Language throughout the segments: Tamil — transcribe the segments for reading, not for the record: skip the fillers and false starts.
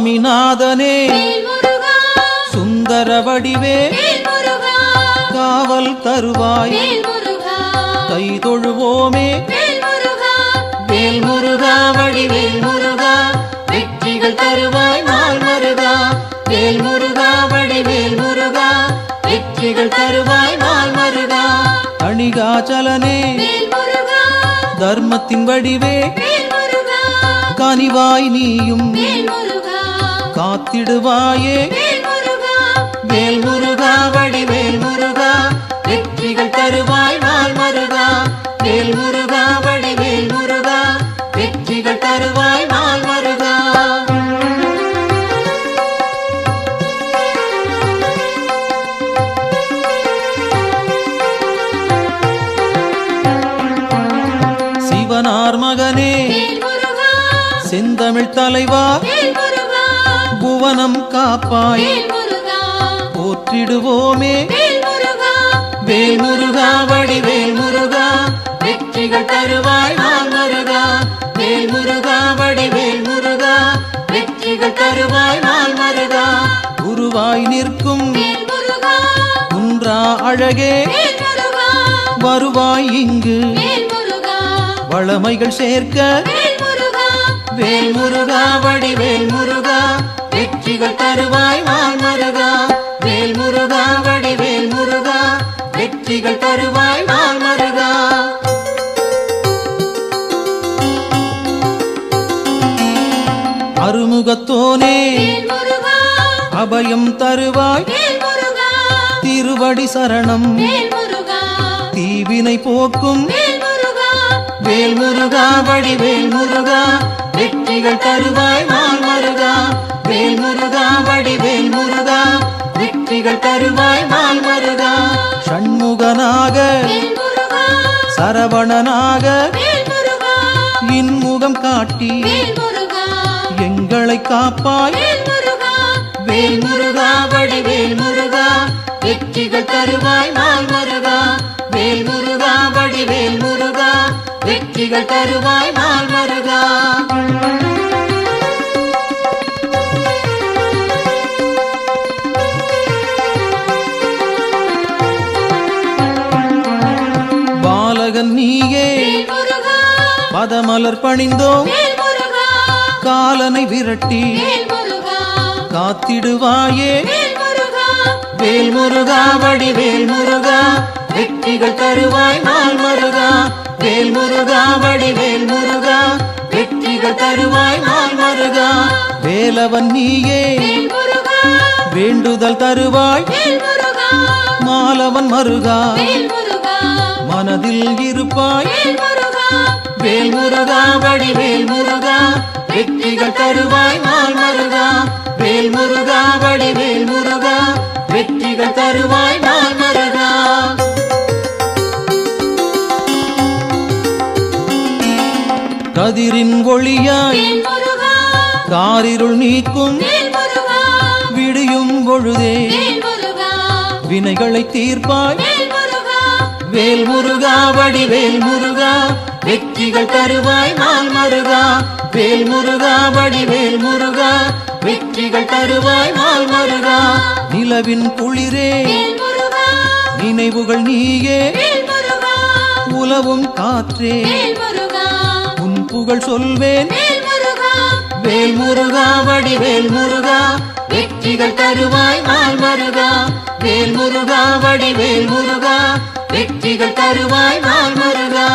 சுவாமிநாதனே சுந்தர வடிவே காவல் தருவாய் கை தொழுவோமே வேல் முருகா வடிவேல் முருகா வெற்றிகள் தருவாய் நாள் மருகா வேல் முருகா வடிவேல் முருகா வெற்றிகள் தருவாய் நாள் மருகா அணிகாச்சலனே தர்மத்தின் வடிவே கனிவாய் நீயும் காத்திடுவாயே வேல் முருகா வடிவேல் முருகா வெற்றிகள் தருவாய் நாள் மருகா வேல் முருகா வடிவேல் முருகா வெற்றிகள் தருவாய் நாள் மருகா சிவனார் மகனே செந்தமிழ் தலைவா புவனம் காப்பாய் போற்றிடுவோமே வேல் முருகா வடிவேல் முருகா வெற்றிகள் தருவாய் நாள் மருகா வேல் முருகா வடிவேல் முருகா வெற்றிகள் தருவாய் நாள் மருகா குருவாய் நிற்கும் குன்றா அழகே வருவாய் இங்கு வளமைகள் சேர்க்க வேல் முருகா வடிவேல் முருகா வெற்றிகள் தருவாய் நாள் மருகா வேல் முருகா வடிவேல் முருகா வெற்றிகள் தருவாய் நாள் மருகா அருமுகத்தோனே அபயம் தருவாய் திருவடி சரணம் தீவினை போக்கும் வேல் முருகா வடிவேல் முருகா வெற்றிகள் தருவாய் நாள் மருகா வேல் முருகா வடிவேல் முருகா வெற்றிகள் தருவாய் நாள் மருகா ஷண்முகனாக சரவணனாக இன்முகம் காட்டி எங்களை காப்பாய் வேல் முருகா வடிவேல் முருகா வெற்றிகள் தருவாய் நாள் மருகா வேல் முருகா வடிவேல் முருகா வெற்றிகள் தருவாய் நாள் மருகா பாலகன் நீயே பதமலர் பணிந்தோம் காலனை விரட்டி காத்திடுவாயே வேல் முருகா வடிவேல் முருகா வெற்றிகள் தருவாய் நாள் மருகா வேல் முருகா வடிவேல் முருகா வெற்றிகள் தருவாய் நாள் மருகா வேலவன் நீயே வேண்டுதல் தருவாய் மாலவன் மருகா மனதில் இருப்பாய் வேல் முருகா வடிவேல் முருகா வெற்றிகள் தருவாய் நாள் மருகா வேல் முருகா வடிவேல் முருகா வெற்றிகள் தருவாய் நாள் மருகா கதிரின் ஒளியாய் காரிருள் நீக்கும் விடியும் பொழுதே வினைகளை தீர்ப்பாய் வேல் முருகா வடிவேல் முருகா வெற்றிகள் தருவாய் நாள் மருகா வேல் முருகா வடிவேல் முருகா வெற்றிகள் தருவாய் நாள் மருகா நிலவின் குளிரே நினைவுகள் நீயே உலவும் காற்றே உன் புகழ் சொல்வேன் வேல் முருகா வடிவேல் முருகா வெற்றிகள் தருவாய் நாள் மருகா வேல் முருகா வடிவேல் முருகா வெற்றிகள் தருவாய் நாள் மருகா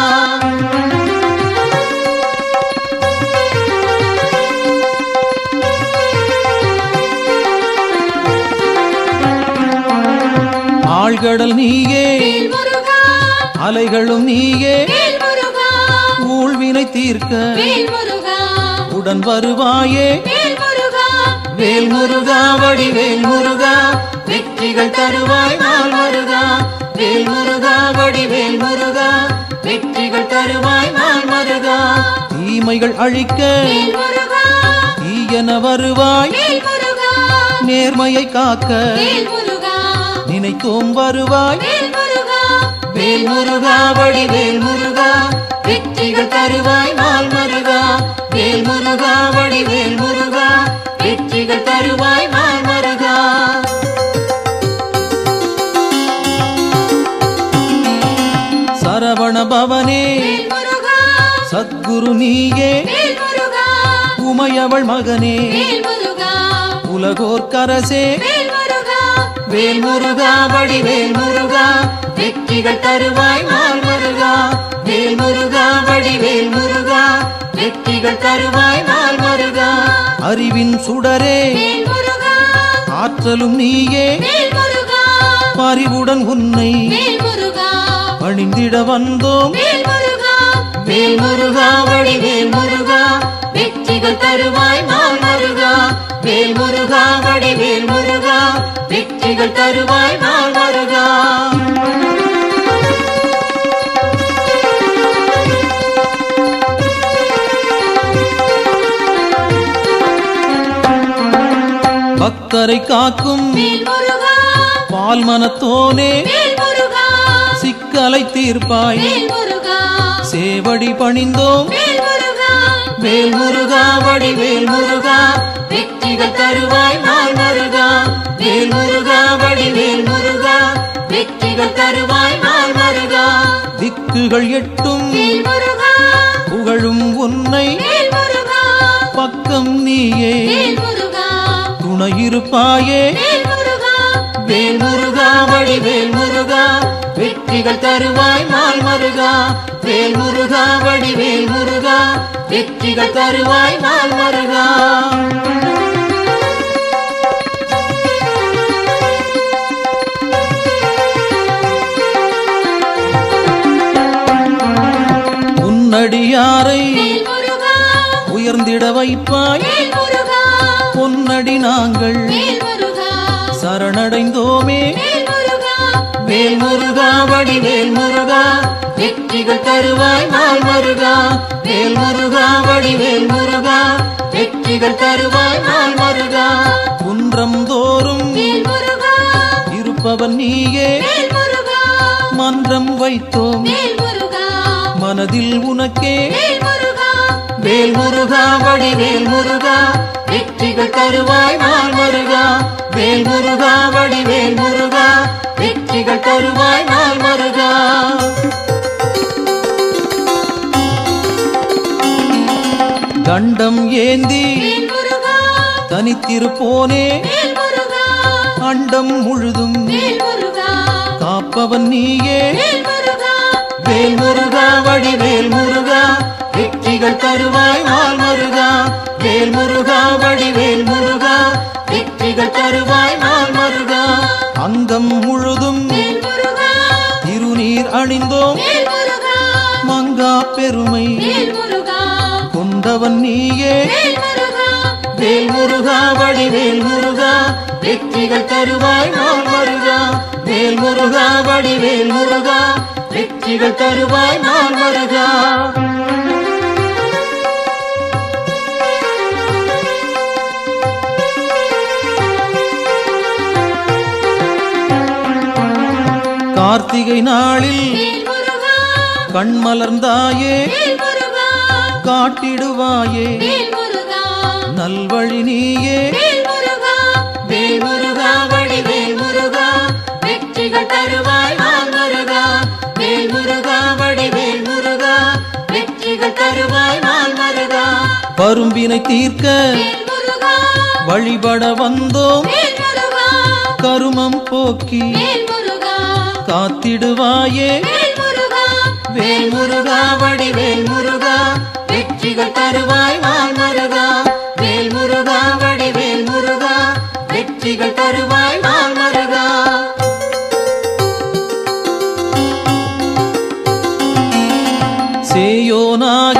ஆழ்கடல் நீயே அலைகளும் நீயே ஊழ்வினை தீர்க்க உடன் வருவாயே வேல் முருகா வடிவேல் முருகா வெற்றிகள் தருவாய் நாள் மருகா வேல் முருகா வடிவேல் முருகா வெற்றிகள் தருவாய் நாள் மருகா தீமைகள் அழிக்க தீயன வருவாய் நேர்மையை காக்க நினைத்தோம் வருவாய் வேல் முருகா வடிவேல் முருகா வெற்றிகள் தருவாய் நாள் மருகா வேல் முருகா வடிவேல் முருகா வெற்றி வெற்றிகள் தருவாய் நாள் மருகா. சரவண பவனே சத்குரு நீயே உமையவள் மகனே உலகோர்க்கரசே வேல் முருகா வடிவேல் முருகா வெற்றிகள் தருவாய் நாள் மருகா. வேல் முருகா வடிவேல் முருகா வெற்றிகள் தருவாய் நாள் மருகா. அறிவின் சுடரே ஆற்றலும் நீயே பரிவுடன் உன்னை பணிந்திட வந்தோம். வேல் முருகா வடிவேல் முருகா வெற்றிகள் தருவாய் நாள் மருகா. வேல் முருகா வடிவேல் முருகா வெற்றிகள் தருவாய் நாள் மருகா. பக்தரை காக்கும் பால் மனத்தோனே சிக்கலை தீர்ப்பாய் சேவடி பணிந்தோம். வேல் முருகா வடிவேல் முருகா வெற்றிகள் தருவாய் நாள் மருகா. வேல் முருகா வடிவேல் முருகா வெற்றிகள் தருவாய் நாள் மருகா. திக்குகள் எட்டும் புகழும் உன்னை பக்கம் நீயே துணையிருப்பாயே. வேல் முருகா வடிவேல் முருகா வெற்றிகள் தருவாய் நாள் மருகா. வேல் முருகா வடிவேல் முருகா வெற்றிகள் தருவாய் நாள் மருகா. உன்னடியாரை உயர்ந்திட வைப்பாய் பொன்னடி நாங்கள் சரணடைந்தோமே. வேல் முருகா வடிவேல் முருகா வெற்றிகள் தருவாய் நாள் மருகா. வேல் முருகா வடிவேல் முருகா வெற்றிகள் தருவாய் நாள் மருகா. குன்றம் தோறும் இருப்பவன் நீயே மன்றம் வைத்தோம் மனதில் உனக்கே. வேல் முருகா வடிவேல் முருகா வெற்றிகள் தருவாய் நாள் மருகா. வேல் முருகா வடிவேல் முருகா வெற்றிகள் தருவாய் நாள் மருகா. தண்டம் ஏந்தி தனித்திருப்போனே அண்டம் முழுதும் காப்பவன் நீயே. வேல் முருகா வடிவேல் முருகா வெற்றிகள் தருவாய் நாள் மருகா. வேல் முருகா வடிவேல் முருகா வெற்றிகள் தருவாய் நாள் மருகா. அங்கம் முழுதும் திருநீர் அணிந்தோம் மங்கா பெருமை கொண்டவன் நீயே. வேல் முருகா வடிவேல் முருகா வெற்றிகள் தருவாய் நாள் மருகா. வேல் முருகா வடிவேல் முருகா வெற்றிகள் தருவாய் நாள் மருகா. கார்த்திகை நாளில் கண்மலர்ந்தாயே காட்டிடுவாயே நல்வழி நீயே. வேல் முருகா வடிவேல் முருகா வெற்றிகள் தருவாய் நாள் மருகா. வேல் முருகா வடிவேல் முருகா வெற்றிகள் தருவாய் நாள் மருகா. பரும்பினை தீர்க்க வழிபட வந்தோம் கருமம் போக்கி காத்திடுவாயே. வேல் முருகா வடிவேல் முருகா வெற்றிகள் தருவாய் நாள் மருகா. வேல் முருகா வடிவேல் முருகா வெற்றிகள் தருவாய் நாள் மருகா. சேயோனாக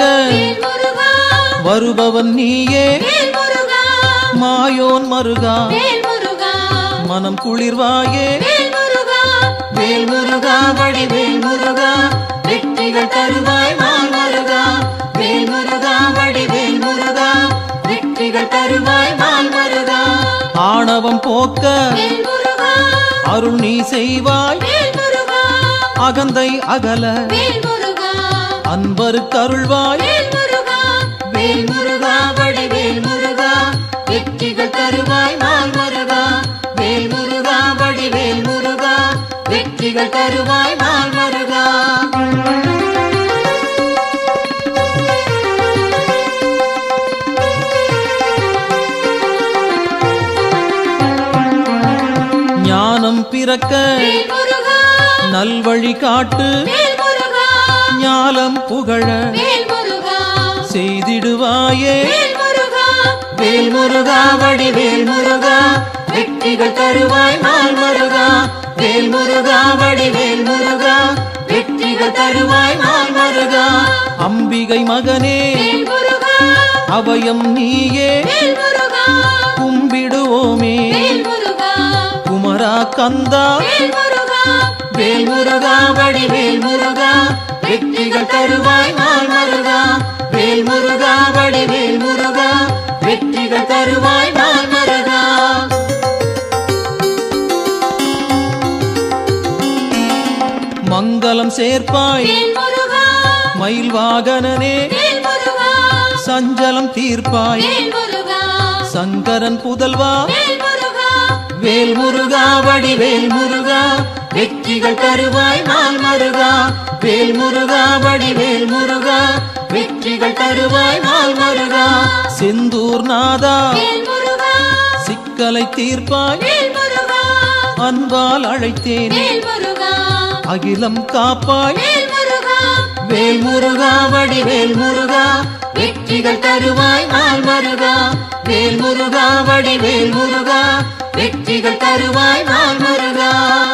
வருபவன் நீயே மாயோன் மருகா மனம் குளிர்வாயே. வேல் முருகா வடிவேல் முருகா வெற்றிகள் தருவாய் நாள் மருகா. வேல் முருகா வடிவேல் முருகா வெற்றிகள் தருவாய் நாள் மருகா. ஆணவம் போக்க அருள் நீ செய்வாய் அகந்தை அகல அன்பருக்கு அருள்வாய். வேல் முருகா வடிவேல் முருகா வெற்றிகள் தரு வெற்றிகள் தருவாய் நாள் மருகா. ஞானம் பிறக்க நல்வழி காட்டு, ஞாலம் புகழ செய்திடுவாயே வேல் முருகா. வடிவேல் முருகா வெற்றிகள் தருவாய் நாள் மருகா. வேல் முருகா வடிவேல் முருகா வெற்றிகள் தருவாய் நாள் மருகா. அம்பிகை மகனே அபயம் நீயே, கும்பிடுவோமே குமரா கந்தா. வேல் முருகா வடிவேல் முருகா வெற்றிகள் தருவாய் நாள் மருகா. வேல் முருகா வடிவேல் முருகா வெற்றிகள் தருவாய் நாள் மருகா. மங்களம் சேர்ப்பாய் மயில் வாகனனே, சஞ்சலம் தீர்ப்பாய் சங்கரன் புதல்வா. வேல் முருகா வடிவேல் முருகா வெற்றிகள் தருவாய் நாள் மருகா. வேல் முருகா வடிவேல் முருகா வெற்றிகள் தருவாய் நாள் மருகா. செந்தூர் நாதா சிக்கலை தீர்ப்பாய், அன்பால் அழைத்தேன் அகிலம் காப்பாய். வேல் முருகா வடிவேல் முருகா வெற்றிகள் தருவாய் நாள் மருகா. வேல் முருகா வடிவேல் முருகா வெற்றிகள் தருவாய் நாள் மருகா.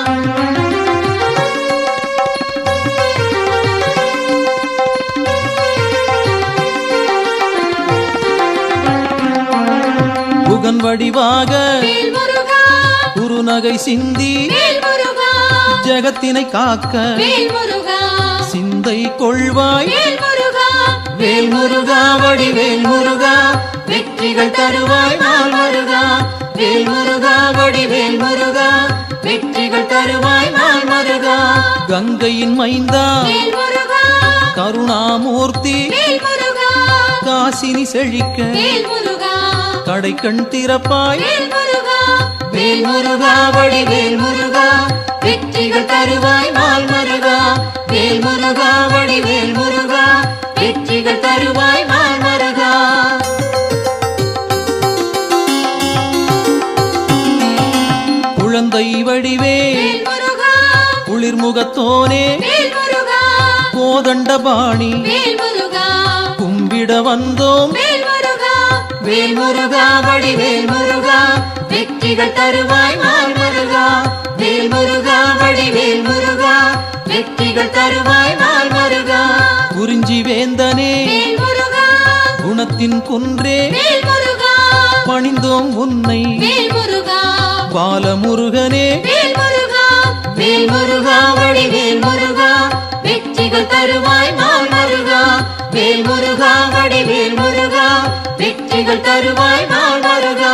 புகன் வடிவாக குருநகை சிந்தி ஜகத்தினை காக்க சிந்தை கொள்வாய். வேல் முருகா வடிவேல் முருகா வெற்றிகள் தருவாய் நாள் மருகா. வேல் முருகா வடிவேல் முருகா வெற்றிகள் தருவாய் நாள் மருகா. கங்கையின் மைந்தா கருணாமூர்த்தி, காசினி செழிக்க கடை கண் திறப்பாய். வேல் முருகா வடிவேல் முருகா வெற்றிகள் தருவாய் நாள் மருகா. வேல் முருகா வடிவேல் முருகா வெற்றிகள் தருவாய் நாள் மருகா. குழந்தை வடிவே குளிர்முகத்தோனே, கோதண்டபாணி கும்பிட வந்தோம். வேல் முருகா வடிவேல் முருகா வெற்றிகள் தருவாய் நாள் மருகா. வேல் முருகா வடிவேல் முருகா வெற்றிகள் தருவாய் நாள் மருகா. குறிஞ்சி வேந்தனே குணத்தின் குன்றே, பணிந்தோம் உன்னை பாலமுருகனே. வேல் முருகா வடிவேல் முருகா வெற்றிகள் தருவாய் நாள் மருகா. வேல் முருகா வடிவேல் முருகா வெற்றிகள் தருவாய் நாள் மருகா.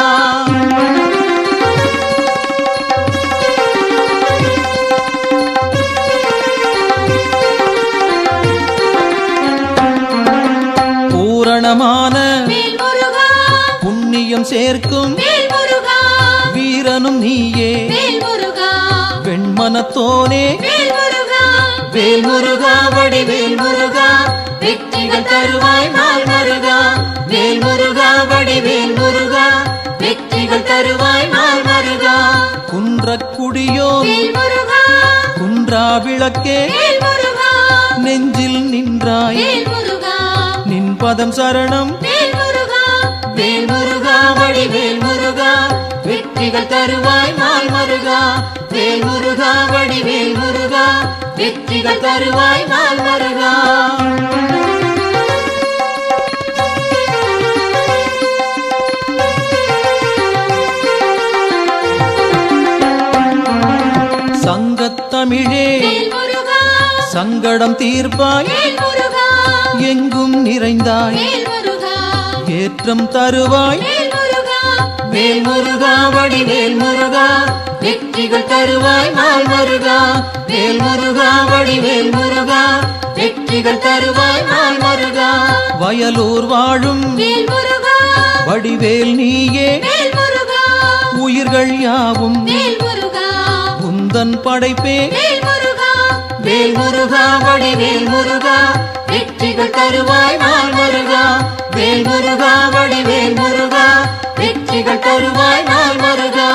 பூரணமான புண்ணியம் சேர்க்கும் வீரனும் நீயே வெண்மனத்தோனே. வேல் முருகா வடிவேல் முருகா வெற்றிகள் தருவாய் நாள் மருகா. வேல் முருகா வடிவேல் முருகா வெற்றிகள் தருவாய் நாள் மருகா. குன்றக்குடியோ குன்றா விளக்கே, நெஞ்சில் நின்றாய் நின் பதம் சரணம். வேல் முருகா வடிவேல் முருகா வெற்றிகள் தருவாய் நாள் மருகா. வேல் முருகா வடிவேல் முருகா வெற்றிகள் தருவாய் நாள் மருகா. சங்கத்தமிழே சங்கடம் தீர்ப்பாய், எங்கும் நிறைந்தாய் ஏற்றம் தருவாய். வேல் முருகா வடிவேல் முருகா வெற்றிகள் தருவாய் நாள் மருகா. வேல் முருகா வடிவேல் முருகா வெற்றிகள் தருவாய் நாள் மருகா. வயலூர் வாழும் வடிவேல் நீயே, உயிர்கள் யாவும் உந்தன் படைப்பே. வேல் முருகா வடிவேல் முருகா வெற்றிகள் தருவாய் நாள் முருகா வேல் முருகா வடிவேல் முருகா வெற்றிகள் தருவாய் நாள் முருகா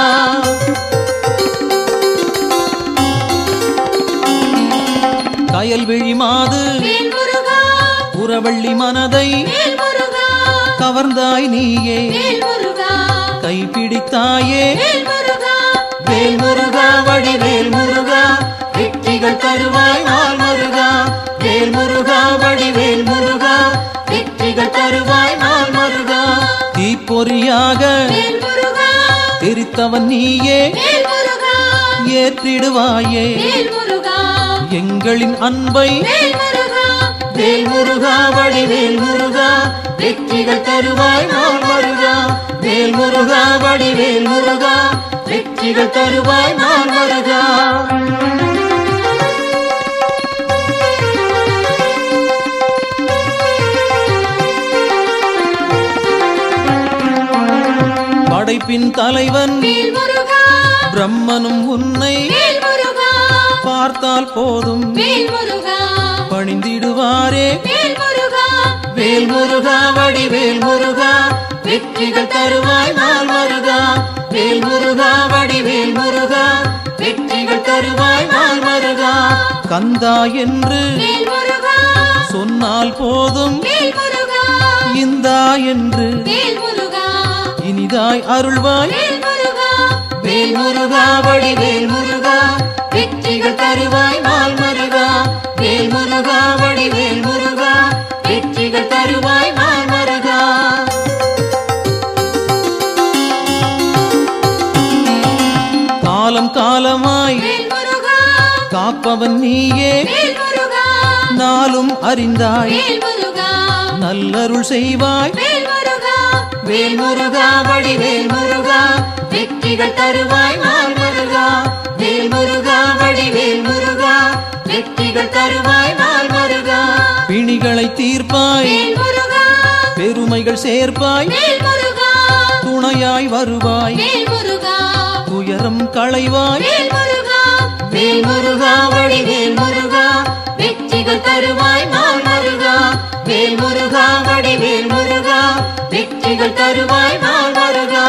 கயல்விழி மாது புறவள்ளி மனதை கவர்ந்தாய் நீயே கைப்பிடித்தாயே வேல் முருகா வடிவேல் முருகா வெற்றிகள் தருவாய் நாள் முருகா வேல் முருகா வடிவேல் முருகா வெற்றிகள் தருவாய் நாள் முருகா தீப்பொறியாக தெரித்தவன் நீயே ஏற்றிடுவாயே எங்களின் அன்பை வேல் முருகா வடிவேல் முருகா வெற்றிகள் தருவாய் நாள் முருகா வேல் முருகா வடிவேல் முருகா வெற்றிகள் தருவாய் நாள் முருகா படைப்பின் தலைவன் பிரம்மனும் உன்னை பார்த்தால் போதும் பணிந்திடுவாரே வேல் முருகா வடிவேல் முருகா வெற்றிகள் தருவாய் நாள் முருகா வேல் முருகா வடிவேல் முருகா வெற்றிகள் தருவாய் நாள் முருகா கந்தா என்று சொன்னால் போதும் இந்தா என்று இனிதாய் அருள்வாய் வேல் முருகா வடிவேல் முருகா வெற்றிகள் தருவாய் நாள் முருகா வேல் முருகா வடிவேல் முருகா வெற்றிகள் தருவாய் நாள் முருகா காலம் காலமாய் காப்பவன் நீயே நாளும் அறிந்தாய் நல்லருள் செய்வாய் வேல் முருகா வடிவேல் முருகா வெற்றிகள் தருவாய் நாள் முருகா வேல் முருகா வடிவேல் முருகா வெற்றிகள் தருவாய் நாள் முருகா பிணிகளை தீர்ப்பாய் பெருமைகள் சேர்ப்பாய் துணையாய் வருவாய் துயரம் களைவாய் வேல் முருகா வடிவேல் முருகா வெற்றிகள் தருவாய் நாள் முருகா வேல் முருகா வடிவேல் முருகா வெற்றிகள் தருவாய் நாள் முருகா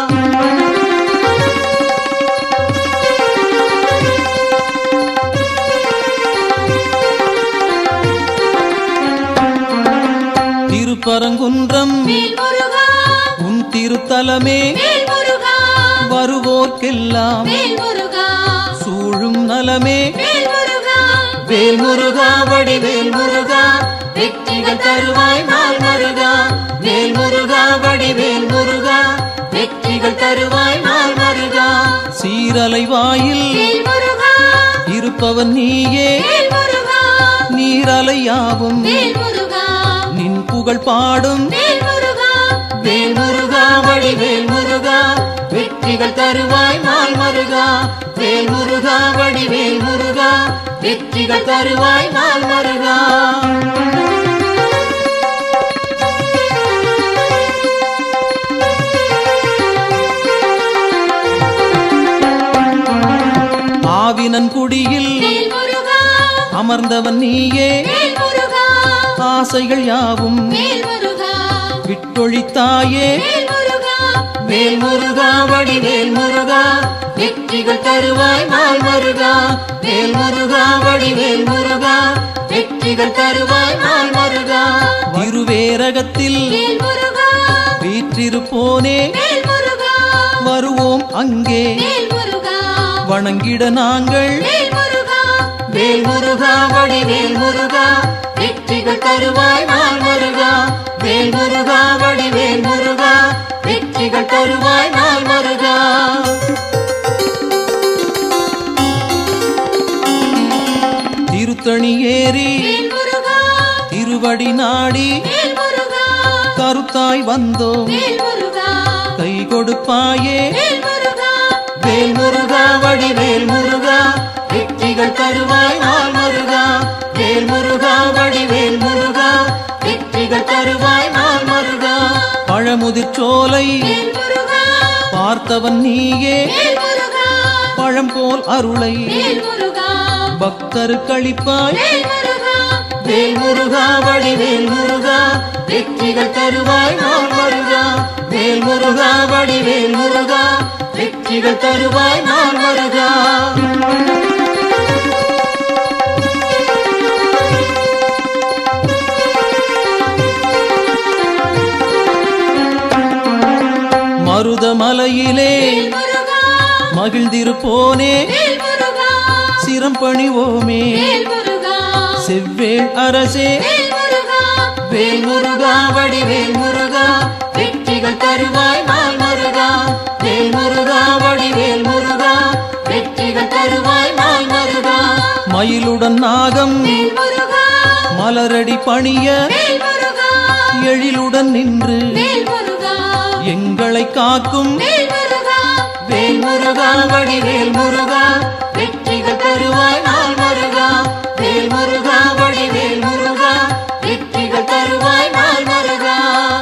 திருப்பரங்குன்றம் உன் திருத்தலமே வருவோர்க்கெல்லாம் சூழும் நலமே வேல் முருகா வடிவேல் முருகா வெற்றிகள் தருவாய் நாள் முருகா வேல் முருகா வடிவேல் முருகா வெற்றிகள் தருவாய் நாள் முருகா சீரலை வாயில் இருப்பவன் நீயே நீரலையாவும் நின் புகழ் பாடும் வேல் முருகா வடிவேல் முருகா வெற்றிகள் தருவாய் நாள் முருகா வேல் முருகா வடிவேல் முருகா வெற்றிகள் தருவாய் நாள் முருகா ஆவினன் குடியில் அமர்ந்தவன் நீயே ஆசைகள் யாவும் விட்டொழித்தாயே வேல் முருகா வடிவேல் முருகா வெற்றிகள் தருவாய் நாள் முருகா வேல் முருகா வடிவேல் முருகா வெற்றிகள் தருவாய் நாள் முருகா திருவேரகத்தில் வீற்றிருப்போனே வருவோம் அங்கே வணங்கிட நாங்கள் வேல் முருகா வடிவேல் முருகா வெற்றிகள் தருவாய் நாள் முருகா வேல் முருகா வடிவேல் முருகா வெற்றிகள் தருவாய் நாள் முருகா திருத்தணி ஏறி திருவடி நாடி கருத்தாய் வந்தோம் கை கொடுப்பாயே வேல் முருகா வடிவேல் முருகா வெற்றிகள் தருவாய் நாள் முருகா வேல் முருகா வடிவேல் முருகா வெற்றிகள் தருவாய் நாள் முருகா பழமுதிர்ச்சோலை பார்த்தவன் நீயே பழம் போல் அருளை பக்தருக்களிப்பாய் வேல் முருகா வடிவேல் முருகா வெற்றிகள் தருவாய் நாள் முருகா வேல் முருகா வடிவேல் முருகா வெற்றிகள் தருவாய் நாள் முருகா மருதமலையிலே மகிழ்ந்திருப்போனே சிரம் பணிவோமே செவ்வேள் அரசே வேல் முருகா வடிவேல் முருகா வெற்றிகள் தருவாய் நாள் முருகா வேல் முருகா வடிவேல் முருகா வெற்றிகள் தருவாய் நாள் முருகா மயிலுடன் நாகம் மலரடி பணிய எழிலுடன் நின்று எங்களை காக்கும் வேல் முருகா வடிவேல் முருகா வெற்றிகள் தருவாய் நாள் முருகா வேல் முருகா வடிவேல் முருகா வெற்றிகள் தருவாய் நாள் முருகா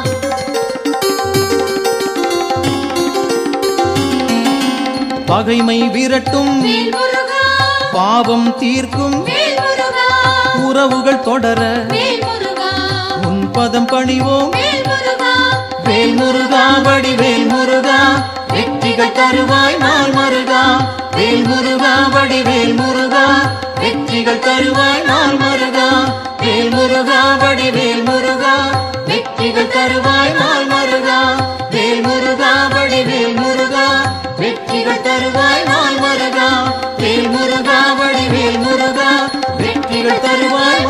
பகைமை விரட்டும் பாவம் தீர்க்கும் உறவுகள் தொடர உன் பதம் பணிவோம் வேல் முருகா வடிவேல் முருகா வெற்றிகள் தருவாய் நாள் முருகா வேல் முருகா வடிவேல் முருகா வெற்றிகள் தருவாய் நாள் முருகா வேல் முருகா வடிவேல் முருகா வெற்றிகள் தருவாய் நாள் முருகா வேல் முருகா வடிவேல் முருகா வெற்றிகள் தருவாய் நாள் முருகா வேல் முருகா வடிவேல் முருகா வெற்றிகள் தருவாய்